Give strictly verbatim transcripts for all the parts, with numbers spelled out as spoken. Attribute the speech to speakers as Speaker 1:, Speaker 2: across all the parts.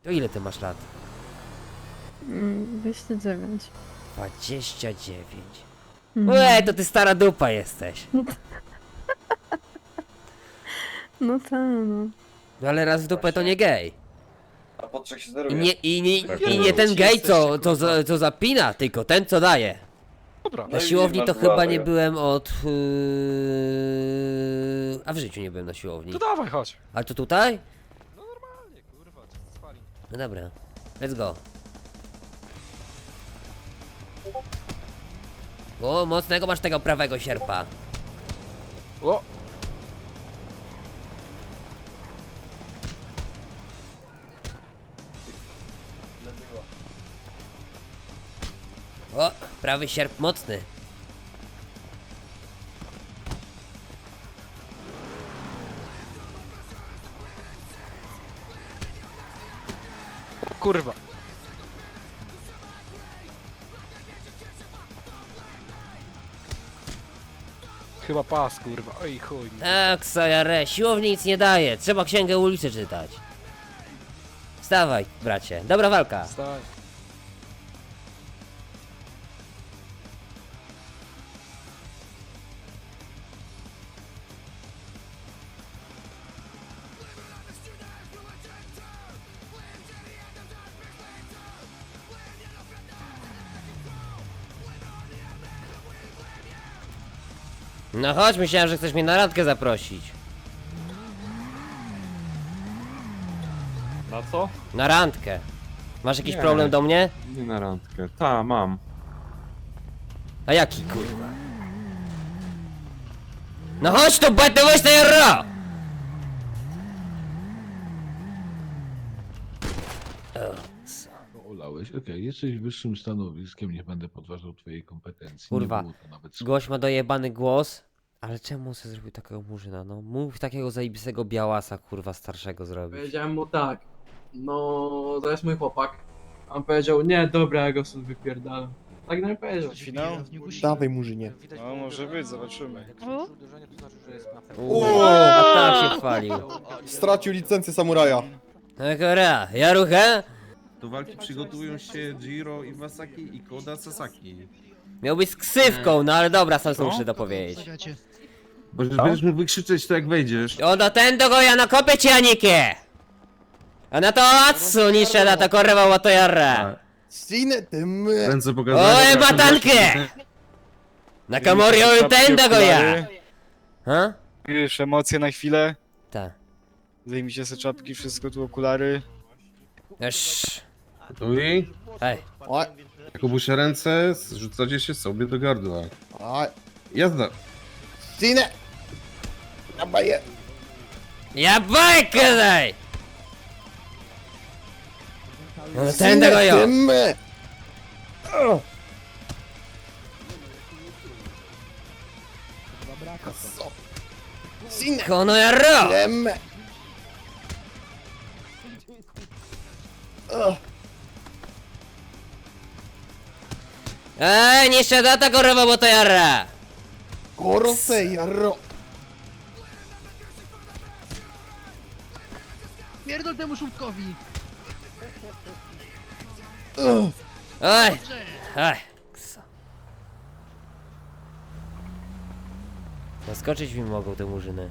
Speaker 1: To ile ty masz lat?
Speaker 2: dwadzieścia dziewięć.
Speaker 1: dwadzieścia dziewięć.
Speaker 2: Mhm.
Speaker 1: Ue, to ty stara dupa jesteś.
Speaker 2: No tak, no.
Speaker 1: No ale raz w dupę to nie gej.
Speaker 3: A podczas się
Speaker 1: I
Speaker 3: zeruje.
Speaker 1: nie, i nie,
Speaker 4: Tak,
Speaker 1: i
Speaker 4: no.
Speaker 1: nie ten
Speaker 4: Ci
Speaker 1: gej, co,
Speaker 4: jesteście,
Speaker 1: co, za- co zapina, tylko ten, co daje.
Speaker 4: Dobra.
Speaker 3: No
Speaker 1: Na
Speaker 3: i
Speaker 1: siłowni
Speaker 3: masz
Speaker 1: to
Speaker 3: dwa
Speaker 1: chyba nie
Speaker 3: tego.
Speaker 1: byłem od... Yy... A w życiu nie byłem na siłowni.
Speaker 4: To dawaj, chodź.
Speaker 1: Ale to tutaj?
Speaker 4: No normalnie, kurwa, co ty spali?
Speaker 1: No dobra. Let's go. O, mocnego masz tego prawego sierpa.
Speaker 4: O!
Speaker 1: O, prawy sierp mocny.
Speaker 4: Kurwa. Chyba pas, kurwa. Oj chuj.
Speaker 1: Tak, Sajare, siłowni nic nie daje. Trzeba księgę ulicy czytać. Wstawaj, bracie. Dobra walka.
Speaker 4: Stań.
Speaker 1: No chodź, myślałem, że chcesz mnie na randkę zaprosić.
Speaker 5: Na co?
Speaker 1: Na randkę. Masz jakiś
Speaker 5: Nie.
Speaker 1: problem do mnie?
Speaker 5: Nie na randkę. Ta, mam.
Speaker 1: A jaki kurwa? No chodź tu, będę weź na jarro!
Speaker 6: Olałeś, okej, jesteś wyższym stanowiskiem, nie będę podważał twojej kompetencji.
Speaker 1: Kurwa,
Speaker 6: Nie było to nawet słowa.
Speaker 1: Gość ma dojebany głos. Ale czemu sobie zrobił takiego murzyna, no? Mów takiego zajebistego białasa, kurwa, starszego zrobić.
Speaker 7: Powiedziałem mu tak, no to jest mój chłopak. A on powiedział, nie, dobra, ja go stąd wypierdalam. Tak nam powiedział.
Speaker 8: Finał?
Speaker 9: Dawaj murzynie.
Speaker 8: No może być, zobaczymy.
Speaker 1: Uuu, a tak się chwalił.
Speaker 9: Stracił licencję samuraja.
Speaker 1: Dobra, Jarucha?
Speaker 10: Do walki przygotowują się Jiro Iwasaki i Koda Sasaki.
Speaker 1: Miał być z ksywką, no ale dobra, sam sobie muszę dopowiedzieć.
Speaker 10: Bo będziesz mógł wykrzyczeć to jak wejdziesz.
Speaker 1: O, do ten do go ja nakopię ci, Anikie! A na to Atsu niszę na to korwa łato jarra.
Speaker 9: Sinę tym.
Speaker 10: Ręce pokazane.
Speaker 1: Oje, batankę! Na kamorio ten do go ja! Ha?
Speaker 8: Już emocje na chwilę.
Speaker 1: Ta.
Speaker 8: Zdejmijcie sobie czapki, wszystko tu okulary.
Speaker 1: Już.
Speaker 10: Gotowi?
Speaker 1: Hej.
Speaker 9: Oj,
Speaker 10: Jak obusze ręce, rzucacie się sobie do gardła.
Speaker 9: oj.
Speaker 10: Jazda.
Speaker 9: Sinę! Dabaję.
Speaker 1: Ja bajkę daj! No ten do go ja!
Speaker 9: tym. Sinę
Speaker 1: Kono jarro!
Speaker 9: tym.
Speaker 1: Ej, niszę da to korwa łato jarra!
Speaker 9: Korose jarro.
Speaker 7: Pierdol temu szutkowi!
Speaker 1: Oj! Oj! Kso. Zaskoczyć mi mogą te murzyny.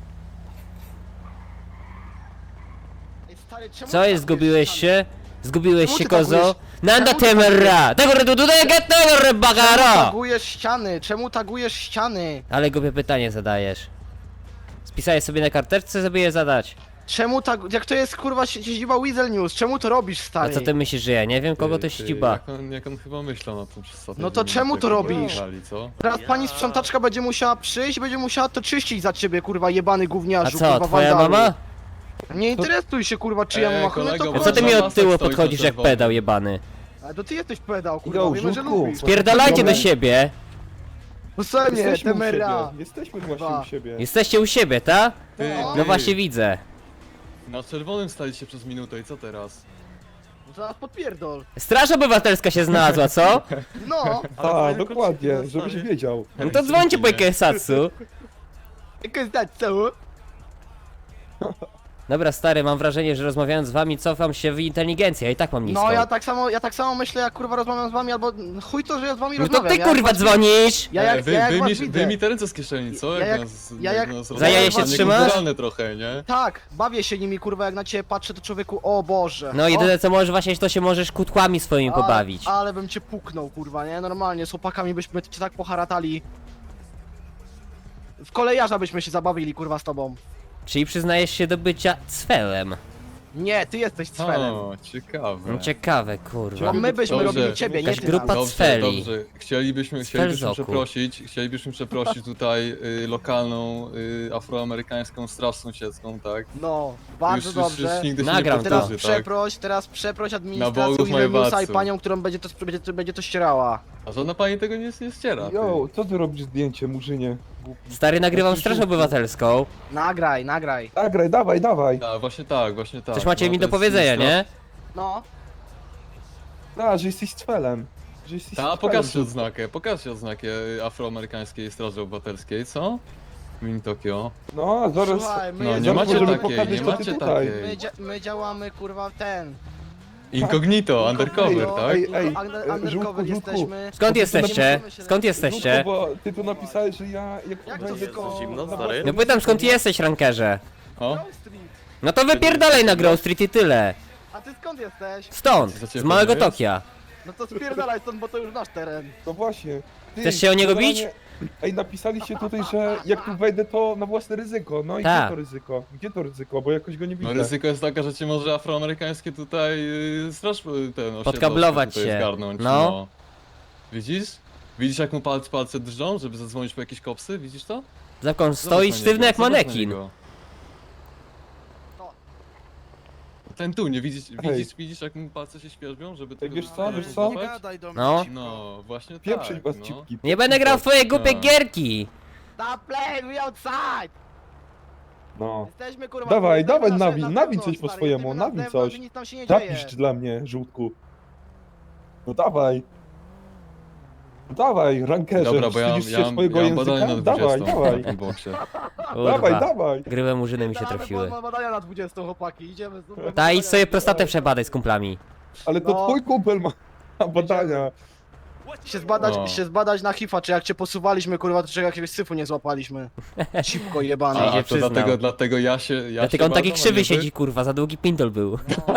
Speaker 1: Co jest, zgubiłeś się? Zgubiłeś się, kozo? Nanda temerra! Tego redu tutaj get tego rebagaro!
Speaker 7: Tagujesz ściany, czemu tagujesz ściany?
Speaker 1: Ale głupie pytanie zadajesz. Spisałeś sobie na karteczce, żeby je zadać.
Speaker 7: Czemu tak, jak to jest kurwa siedziba Weasel News, czemu to robisz,
Speaker 1: A
Speaker 7: stary?
Speaker 1: co ty myślisz, że ja nie wiem, kogo to ściba?
Speaker 5: Jak on, jak on chyba myślał na tym przez
Speaker 7: No to czemu to robisz?
Speaker 5: Co?
Speaker 7: Teraz pani sprzątaczka będzie musiała przyjść, będzie musiała to czyścić za ciebie, kurwa, jebany
Speaker 1: A
Speaker 7: gówniarzu,
Speaker 1: co,
Speaker 7: kurwa,
Speaker 1: twoja
Speaker 7: wandalu.
Speaker 1: mama?
Speaker 7: Nie interesuj się, kurwa, czy ja
Speaker 5: Ej,
Speaker 7: mam machę,
Speaker 5: kolego,
Speaker 7: to
Speaker 1: A co ty mi
Speaker 7: kurwa.
Speaker 1: od tyłu
Speaker 5: stoi
Speaker 1: podchodzisz jak
Speaker 5: czerwony.
Speaker 1: pedał jebany?
Speaker 7: Ale to ty jesteś pedał, kurwa,
Speaker 9: Go,
Speaker 7: wiemy, że
Speaker 9: żółtku.
Speaker 7: lubisz.
Speaker 1: Spierdalajcie do siebie!
Speaker 7: Posłuchaj mnie,
Speaker 9: Jesteśmy u
Speaker 7: temera.
Speaker 9: siebie. Jesteśmy właśnie
Speaker 7: Kurwa.
Speaker 9: u siebie.
Speaker 1: Jesteście u siebie, ta?
Speaker 5: Ty,
Speaker 7: No.
Speaker 1: No
Speaker 5: ty,
Speaker 1: właśnie widzę.
Speaker 5: Na czerwonym staliście przez minutę i co teraz?
Speaker 7: Zaraz podpierdol.
Speaker 1: Straż obywatelska się znalazła, co?
Speaker 7: No,
Speaker 9: A, dokładnie, żebyś wiedział.
Speaker 1: No to dzwońcie po Ikesatsu.
Speaker 7: jak jest dać co?
Speaker 1: Dobra, stary, mam wrażenie, że rozmawiając z wami cofam się w inteligencję, ja i tak mam niską.
Speaker 3: No ja tak samo, ja tak samo myślę, jak kurwa rozmawiam z wami, albo chuj to, że ja z wami
Speaker 1: No to
Speaker 3: rozmawiam.
Speaker 1: ty
Speaker 3: ja
Speaker 1: kurwa
Speaker 3: jak was-
Speaker 1: dzwonisz!
Speaker 3: Ja jak,
Speaker 5: Ej, wy,
Speaker 3: ja jak
Speaker 5: wy,
Speaker 3: was
Speaker 5: mi,
Speaker 3: widzę.
Speaker 5: wy mi te ręce z kieszeni, co?
Speaker 3: Ja jak-
Speaker 5: nas,
Speaker 3: ja jak-
Speaker 5: nas
Speaker 1: Za jaja się
Speaker 5: rozmawiamy,
Speaker 1: trzymasz?
Speaker 5: niekulturalne trochę, nie?
Speaker 3: Tak, bawię się nimi kurwa, jak na ciebie patrzę, to człowieku, o Boże.
Speaker 1: No
Speaker 3: o,
Speaker 1: jedyne co możesz właśnie, to się możesz kutłami swoimi
Speaker 3: ale-
Speaker 1: pobawić.
Speaker 3: Ale bym cię puknął kurwa, nie? Normalnie, z chłopakami byśmy cię tak poharatali. W kolejarza byśmy się zabawili kurwa z tobą.
Speaker 1: Czyli przyznajesz się do bycia cfelem.
Speaker 3: Nie, ty jesteś cfelem.
Speaker 5: O, ciekawe.
Speaker 1: No ciekawe, kurwa.
Speaker 3: A my byśmy
Speaker 5: Dobrze.
Speaker 3: robili ciebie, nie
Speaker 1: Jakaś
Speaker 3: ty
Speaker 1: grupa
Speaker 3: nas.
Speaker 5: Dobrze,
Speaker 1: cfeli.
Speaker 5: dobrze. Chcielibyśmy,
Speaker 1: Cfel
Speaker 5: chcielibyśmy
Speaker 1: z oku.
Speaker 5: przeprosić, chcielibyśmy przeprosić tutaj y, lokalną y, afroamerykańską straż sąsiedzką, tak?
Speaker 3: No, bardzo
Speaker 5: już,
Speaker 3: dobrze.
Speaker 5: Już, już nigdy się
Speaker 1: Nagram
Speaker 5: nie
Speaker 1: to.
Speaker 3: Teraz
Speaker 5: powtórzy, tak?
Speaker 3: przeproś, teraz przeproś
Speaker 5: Na
Speaker 3: administrację
Speaker 5: Bogów
Speaker 3: Ileniusa i
Speaker 5: Majewatcu.
Speaker 3: panią, którą będzie to, będzie, to- będzie to ścierała.
Speaker 5: A żadna pani tego nie, nie ściera. ty.
Speaker 9: Jo, co ty robisz zdjęcie, murzynie?
Speaker 1: Stary, nagrywam Straż Obywatelską.
Speaker 3: Nagraj, nagraj.
Speaker 9: Nagraj, dawaj, dawaj.
Speaker 5: Tak, właśnie tak, właśnie tak.
Speaker 1: Coś macie
Speaker 5: No,
Speaker 1: mi
Speaker 5: to
Speaker 1: do
Speaker 5: jest
Speaker 1: powiedzenia,
Speaker 5: straż-
Speaker 1: nie?
Speaker 3: No.
Speaker 9: A, że jesteś cfelem. Że jesteś
Speaker 5: Ta,
Speaker 9: cfelem.
Speaker 5: pokażcie odznakę, pokażcie odznakę afroamerykańskiej Straży Obywatelskiej, co? Mini Tokio.
Speaker 9: No, zaraz...
Speaker 3: Słuchaj, my,
Speaker 5: No nie
Speaker 9: zaraz
Speaker 5: macie
Speaker 9: możemy
Speaker 5: takiej,
Speaker 9: pokazać,
Speaker 5: nie
Speaker 9: co ty
Speaker 5: macie
Speaker 9: tutaj.
Speaker 3: my,
Speaker 5: takiej.
Speaker 3: dzia- my działamy kurwa w ten.
Speaker 5: Incognito, undercover,
Speaker 3: No,
Speaker 5: tak?
Speaker 9: Ej, ej,
Speaker 3: under-
Speaker 9: e,
Speaker 3: undercover
Speaker 9: żółtku, żółtku.
Speaker 3: jesteśmy.
Speaker 1: Skąd
Speaker 9: to
Speaker 1: jesteście?
Speaker 3: napisane-
Speaker 1: Skąd jesteście?
Speaker 9: Żółtku, bo ty tu napisałeś, że ja... Jak,
Speaker 3: Jak to
Speaker 9: wejdę,
Speaker 3: tylko-
Speaker 9: zimno,
Speaker 1: No pytam, skąd jesteś, rankerze?
Speaker 5: O?
Speaker 3: Grove Street.
Speaker 1: No to wypierdalaj na Grove Street i tyle.
Speaker 3: A ty skąd jesteś?
Speaker 1: Stąd,
Speaker 5: Za ciebie
Speaker 1: z małego
Speaker 5: jest?
Speaker 1: Tokia.
Speaker 3: No to spierdalaj stąd, bo to już nasz teren.
Speaker 9: No właśnie. Ty,
Speaker 1: Chcesz się o niego
Speaker 9: generalnie-
Speaker 1: bić?
Speaker 9: Ej, napisaliście tutaj, że jak tu wejdę, to na własne ryzyko. No i
Speaker 1: Tak.
Speaker 9: gdzie to ryzyko? Gdzie to ryzyko? Bo jakoś go nie
Speaker 5: No
Speaker 9: widzę.
Speaker 5: ryzyko jest takie, że cię może afroamerykańskie tutaj yy, straż y, ten osiedlowskie
Speaker 1: Podkablować
Speaker 5: tutaj
Speaker 1: się.
Speaker 5: zgarnąć,
Speaker 1: No.
Speaker 5: Widzisz? Widzisz jak mu palce, palce drżą, żeby zadzwonić po jakieś kopsy? Widzisz to?
Speaker 1: Zakon
Speaker 5: Zobacz
Speaker 1: stoi
Speaker 5: na
Speaker 1: sztywny
Speaker 5: niego,
Speaker 1: jak
Speaker 5: zobacz na
Speaker 1: manekin.
Speaker 5: niego. Ten tu, nie widzisz, widzisz, widzisz jak mu palce się świerzbią, żeby
Speaker 9: Ej,
Speaker 5: tego
Speaker 9: wiesz co, wiesz co?
Speaker 5: złapać?
Speaker 1: No.
Speaker 5: No, właśnie
Speaker 9: Pieprzyć
Speaker 5: tak,
Speaker 9: was
Speaker 5: no.
Speaker 9: cipki.
Speaker 1: Nie będę grał w twoje głupie
Speaker 5: No.
Speaker 1: gierki.
Speaker 3: Stop playing, we outside!
Speaker 9: No.
Speaker 3: Jesteśmy kurwa...
Speaker 9: Dawaj,
Speaker 3: jesteśmy
Speaker 9: dawaj,
Speaker 3: na-
Speaker 9: nawin,
Speaker 3: na
Speaker 9: nawin
Speaker 3: zewnątrz,
Speaker 9: coś po
Speaker 3: stary,
Speaker 9: swojemu,
Speaker 3: jesteśmy na
Speaker 9: nawin
Speaker 3: zewnątrz
Speaker 9: coś.
Speaker 3: i nic tam się nie dzieje.
Speaker 9: Zapisz dla mnie, żółtku. No dawaj. No dawaj, rankerze,
Speaker 5: Dobra, bo ja,
Speaker 9: wstydzisz
Speaker 5: ja,
Speaker 9: się
Speaker 5: mam-
Speaker 9: swojego
Speaker 5: ja mam badania
Speaker 9: języka?
Speaker 5: na
Speaker 9: Dawaj,
Speaker 5: dwudziestą
Speaker 9: dawaj.
Speaker 5: na tym boksie.
Speaker 9: Dawaj,
Speaker 1: Kurwa.
Speaker 9: dawaj.
Speaker 1: Grywe murzyny mi się
Speaker 3: Dawaj,
Speaker 1: trafiły.
Speaker 3: bo- bo badania na dwudziestą chłopaki, idziemy. z-
Speaker 1: Ta, idź sobie prostatę przebadaj z kumplami.
Speaker 9: Ale to
Speaker 3: No.
Speaker 9: twój kumpel ma ma badania.
Speaker 3: Się zbadać,
Speaker 5: No.
Speaker 3: się zbadać na hifa, czy jak cię posuwaliśmy kurwa, to czy jakiegoś syfu nie złapaliśmy. Cipko jebane.
Speaker 1: Czyli
Speaker 5: A,
Speaker 1: się
Speaker 5: a to
Speaker 1: przyznał.
Speaker 5: dlatego, dlatego ja się ja
Speaker 1: Dlatego
Speaker 5: się
Speaker 1: on taki
Speaker 5: badam, a
Speaker 1: krzywy
Speaker 5: nie wy?
Speaker 1: siedzi, kurwa, za długi pindol był.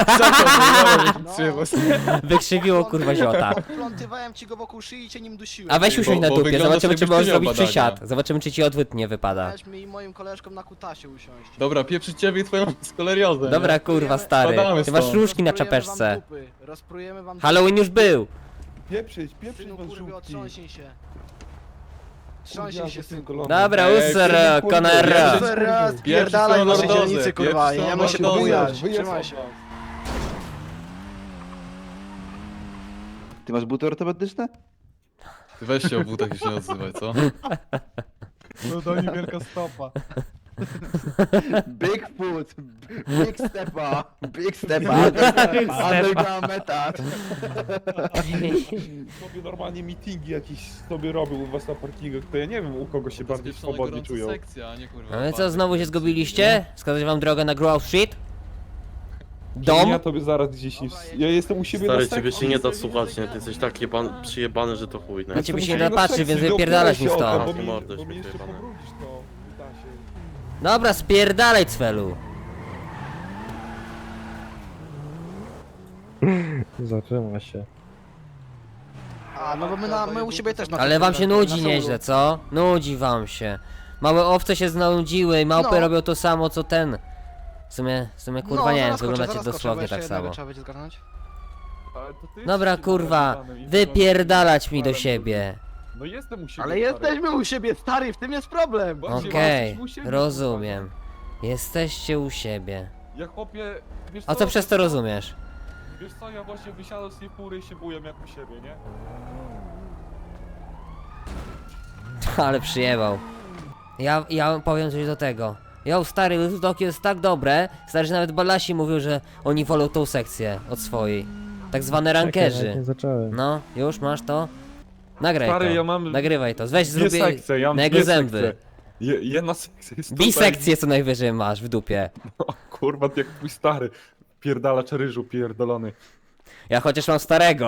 Speaker 3: No.
Speaker 1: Wykrzywiło, kurwa, ziota.
Speaker 3: Plątywałem ci go wokół szyi i cię nim dusiłem.
Speaker 1: A weź usiądź
Speaker 5: Bo-
Speaker 1: na
Speaker 5: bo
Speaker 1: dupie,
Speaker 5: wyglądasz,
Speaker 1: zobaczymy czy
Speaker 5: jakbyś
Speaker 1: możesz
Speaker 5: ty miał
Speaker 1: zrobić
Speaker 5: badania.
Speaker 1: przysiad. Zobaczymy czy ci odwyt nie wypada.
Speaker 3: Weź mi i moim koleżkom na kutasie usiąść.
Speaker 5: Dobra, pieprzyć ciebie i twoją skoleriozę.
Speaker 1: Dobra, kurwa, stary.
Speaker 5: Spadamy
Speaker 1: Ty masz
Speaker 5: stąd.
Speaker 1: różki na
Speaker 3: Rozprujemy
Speaker 1: czapeczce.
Speaker 3: wam dupy, Rozprujemy wam
Speaker 1: Halloween już był.
Speaker 9: Pieprzyć, pieprzyć
Speaker 3: Synu
Speaker 9: was
Speaker 3: kurwy,
Speaker 9: żółtki.
Speaker 3: otrząśnij się. Trząśnij się, synku.
Speaker 1: Dobra,
Speaker 5: Ej,
Speaker 1: user,
Speaker 9: kurwa,
Speaker 1: Conner.
Speaker 5: pierwszy-
Speaker 3: Raz,
Speaker 5: Pierwszy
Speaker 3: pierdalaj
Speaker 5: są
Speaker 3: wasze
Speaker 5: lordozę,
Speaker 3: dzielnicy, kurwa,
Speaker 5: pierwszy
Speaker 3: i
Speaker 5: są
Speaker 3: nie ma się
Speaker 5: lordozę.
Speaker 3: pobujać.
Speaker 9: Wyjedź
Speaker 3: Trzymaj się.
Speaker 10: Ty masz buty ortopedyczne?
Speaker 5: Ty weź się o butach i się nie odzywaj, co?
Speaker 8: No to niewielka stopa.
Speaker 10: Bigfoot, big stepa, big stepa, underground method.
Speaker 9: Sobie normalnie meetingi jakieś sobie robił u was na parkingach, to ja nie wiem u kogo się bardziej
Speaker 5: Zwieszona
Speaker 9: swobodnie
Speaker 5: gorąca
Speaker 9: czują.
Speaker 5: sekcja, a nie kurwa.
Speaker 1: No i co,
Speaker 5: party.
Speaker 1: znowu się zgubiliście? Wskazać wam drogę na Grove Street?
Speaker 9: Ja
Speaker 1: Dom?
Speaker 9: tobie zaraz gdzieś nie... Ja jestem u siebie
Speaker 11: Stary,
Speaker 9: na
Speaker 11: ciebie
Speaker 9: sekcji.
Speaker 11: się nie da słuchać, nie? Ty jesteś tak jeban, przyjebany, że to chuj, nie?
Speaker 1: Na ciebie się nie
Speaker 9: Jestem
Speaker 1: da
Speaker 9: u siebie na
Speaker 1: patrzeć, więc
Speaker 9: sekcji,
Speaker 1: wypierdalać mi
Speaker 9: dookoła się
Speaker 1: stąd.
Speaker 9: o to, bo mi-
Speaker 11: Mordę
Speaker 9: Bo mi jeszcze
Speaker 11: śmieciebane.
Speaker 9: pobrudzisz to. Da się.
Speaker 1: Dobra, spierdalaj, cwelu.
Speaker 9: Zaczyna się.
Speaker 3: A, no bo my, na, my u siebie też na
Speaker 1: Ale wam się
Speaker 3: na
Speaker 1: nudzi
Speaker 3: Soulu.
Speaker 1: nieźle, co? Nudzi wam się. Małe owce się znudziły i małpy
Speaker 3: No.
Speaker 1: robią to samo co ten. W sumie, w sumie kurwa
Speaker 3: No,
Speaker 1: nie wiem,
Speaker 3: zaraz skoczę,
Speaker 1: wyglądacie
Speaker 3: zaraz skoczę, bo
Speaker 1: dosłownie
Speaker 3: jeszcze
Speaker 1: tak
Speaker 3: jednego
Speaker 1: samo.
Speaker 3: Trzeba będzie zgarnąć.
Speaker 1: Dobra kurwa, wypierdalać mi do siebie.
Speaker 9: No jestem u siebie.
Speaker 3: Ale jesteśmy u siebie, stary, w tym jest problem.
Speaker 9: Właśnie,
Speaker 1: Okej,
Speaker 9: jesteśmy u siebie,
Speaker 1: rozumiem. Jesteście u siebie.
Speaker 9: Ja chłopie... Wiesz
Speaker 1: A co przez to rozumiesz?
Speaker 9: Wiesz co, ja właśnie wysiadam z tej fury i się buję jak u siebie, nie?
Speaker 1: Ale przyjebał. Ja, ja powiem coś do tego. Jo, stary, Little Tokyo jest tak dobre, stary, że nawet Balasi mówił, że oni wolą tą sekcję od swojej. Tak zwane rankerzy. No, już masz to? Nagraj
Speaker 9: Stary,
Speaker 1: to.
Speaker 9: ja mam
Speaker 1: Nagrywaj to. Weź
Speaker 9: dwie
Speaker 1: zrób
Speaker 9: sekcje, ja mam
Speaker 1: na jego
Speaker 9: dwie
Speaker 1: zęby.
Speaker 9: sekcje. Je, jedna sekcja jest tutaj.
Speaker 1: Bisekcję co najwyżej masz w dupie.
Speaker 9: O Kurwa, ty jak twój stary. Pierdalacz ryżu pierdolony.
Speaker 1: Ja chociaż mam starego.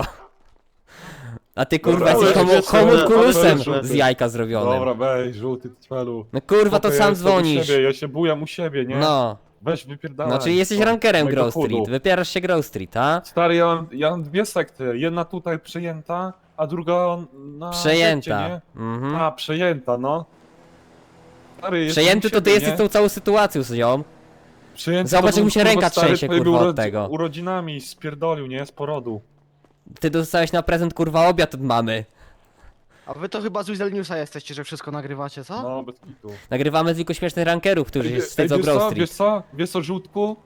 Speaker 1: A ty kurwa
Speaker 9: Dobra,
Speaker 1: jesteś
Speaker 11: ale
Speaker 1: homo,
Speaker 11: wiesz co,
Speaker 1: homunculusem
Speaker 11: ale-
Speaker 1: z jajka zrobionym.
Speaker 9: Dobra, weź, żółty cwelu.
Speaker 1: No kurwa, to
Speaker 9: Spoko,
Speaker 1: sam
Speaker 9: ja jestem u
Speaker 1: dzwonisz.
Speaker 9: siebie, Ja się bujam u siebie, nie?
Speaker 1: No,
Speaker 9: Weź wypierdalaj.
Speaker 1: no czyli jesteś
Speaker 9: O,
Speaker 1: rankerem
Speaker 9: mojego
Speaker 1: Grove
Speaker 9: chudu.
Speaker 1: Street, wypierasz się Grove Street, a?
Speaker 9: Stary, ja mam, ja mam dwie sekty. Jedna tutaj przejęta, a druga na
Speaker 1: Przejęta.
Speaker 9: sekcie, nie?
Speaker 1: Mhm.
Speaker 9: A, przejęta, no. Stary, jestem
Speaker 1: Przejęty
Speaker 9: u
Speaker 1: to ty
Speaker 9: siebie,
Speaker 1: jesteś
Speaker 9: nie?
Speaker 1: tą całą sytuacją z nią.
Speaker 9: Przejęty
Speaker 1: Zobacz,
Speaker 9: to
Speaker 1: jak mu
Speaker 9: był,
Speaker 1: się
Speaker 9: kurwa,
Speaker 1: ręka
Speaker 9: stary,
Speaker 1: trzęsie,
Speaker 9: twojej
Speaker 1: kurwa,
Speaker 9: był
Speaker 1: od tego.
Speaker 9: urodzinami spierdolił, nie? Z porodu.
Speaker 1: Ty dostałeś na prezent kurwa obiad od mamy.
Speaker 3: A wy to chyba z Weasel Newsa jesteście, że wszystko nagrywacie, co?
Speaker 9: No, bez kitu.
Speaker 1: Nagrywamy tylko śmiesznych rankerów, którzy się
Speaker 9: Ej,
Speaker 1: wstydzą
Speaker 9: wiesz
Speaker 1: Grove
Speaker 9: co,
Speaker 1: Street.
Speaker 9: wiesz co? Wiesz co, żółtku?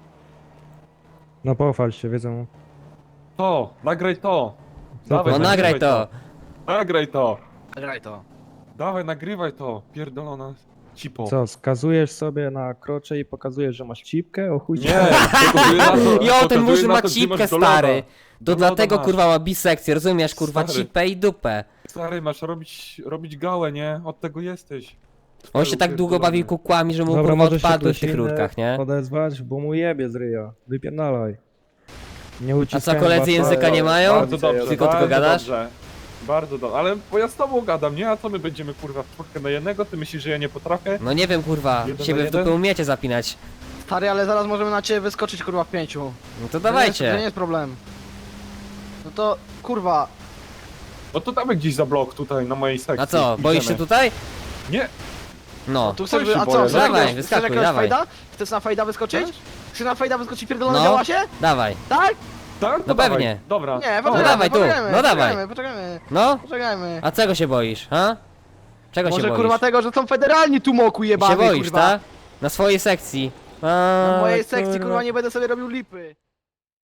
Speaker 8: No pochwal się, wiedzą.
Speaker 9: To, nagraj to.
Speaker 8: Co
Speaker 9: Dawaj,
Speaker 1: No
Speaker 8: to?
Speaker 1: nagraj to.
Speaker 9: Nagraj to.
Speaker 3: Graj to.
Speaker 9: Dawaj, nagrywaj to. Pierdolona cipo.
Speaker 8: Co, skazujesz sobie na krocze i pokazujesz, że masz cipkę? O chuj ci
Speaker 9: Nie, pokazuję na to,
Speaker 1: Jo, ten
Speaker 9: pokazuję
Speaker 1: murzyn
Speaker 9: na
Speaker 1: ma
Speaker 9: to, gdzie
Speaker 1: cipkę,
Speaker 9: masz do loda.
Speaker 1: stary.
Speaker 9: Do
Speaker 1: To
Speaker 9: loda
Speaker 1: dlatego
Speaker 9: masz.
Speaker 1: kurwa ma bisekcję, rozumiesz kurwa,
Speaker 9: Stary.
Speaker 1: cipę i dupę.
Speaker 9: Stary, masz robić, robić gałę, nie? Od tego jesteś.
Speaker 1: On się tak długo bawił kukłami, że mu
Speaker 8: Dobra,
Speaker 1: kurwa
Speaker 8: może się
Speaker 1: odpadły w
Speaker 8: ktoś
Speaker 1: tych
Speaker 8: inny
Speaker 1: rurkach, nie?
Speaker 8: odezwać, bo mu jebie z ryja. Wypierdalaj. Nie
Speaker 1: A
Speaker 8: uciskaj
Speaker 1: co, koledzy języka nie mają?
Speaker 9: Bardzo dobrze,
Speaker 1: Tylko tylko
Speaker 9: bardzo
Speaker 1: gadasz?
Speaker 9: Dobrze. Bardzo dobrze, ale bo ja z tobą gadam, nie? A co my będziemy kurwa w czwórkę na jednego? Ty myślisz, że ja nie potrafię?
Speaker 1: No nie wiem kurwa,
Speaker 9: Jeden
Speaker 1: siebie
Speaker 9: na
Speaker 1: w dupę
Speaker 9: jeden?
Speaker 1: umiecie zapinać.
Speaker 3: Stary, ale zaraz możemy na ciebie wyskoczyć, kurwa, w pięciu.
Speaker 1: No to
Speaker 3: To nie, jest, to nie
Speaker 1: dawajcie.
Speaker 3: jest problem. No to, kurwa,
Speaker 9: No to damy gdzieś za blok tutaj na mojej sekcji.
Speaker 1: A co, boisz się
Speaker 9: Idziemy.
Speaker 1: tutaj?
Speaker 9: Nie,
Speaker 1: No.
Speaker 3: tu chcesz,
Speaker 9: Oj, się
Speaker 3: a co,
Speaker 9: boję.
Speaker 3: chcesz
Speaker 1: Dawaj,
Speaker 3: jakiegoś- chcesz
Speaker 1: wyskakuj,
Speaker 3: jakiegoś
Speaker 1: dawaj.
Speaker 3: fejda? Chcesz na fejda wyskoczyć? Chcesz na fejda wyskoczyć, pierdolone
Speaker 1: No.
Speaker 3: działa się?
Speaker 1: Dawaj.
Speaker 3: Tak?
Speaker 9: tak?
Speaker 1: No
Speaker 9: dawaj.
Speaker 1: pewnie.
Speaker 9: Dobra.
Speaker 3: Nie,
Speaker 9: Dobra.
Speaker 3: poczekajmy,
Speaker 1: dawaj tu,
Speaker 3: poczekajmy,
Speaker 1: no dawaj.
Speaker 3: Poczekajmy, poczekajmy,
Speaker 1: No?
Speaker 3: poczekajmy.
Speaker 1: A czego się boisz, ha? Czego
Speaker 3: Może
Speaker 1: się boisz?
Speaker 3: kurwa tego, że są federalni tu moku
Speaker 1: się
Speaker 3: jebany,
Speaker 1: boisz,
Speaker 3: kurwa.
Speaker 1: tak? Na swojej sekcji. A,
Speaker 3: Na mojej sekcji, kurwa, nie będę sobie robił lipy.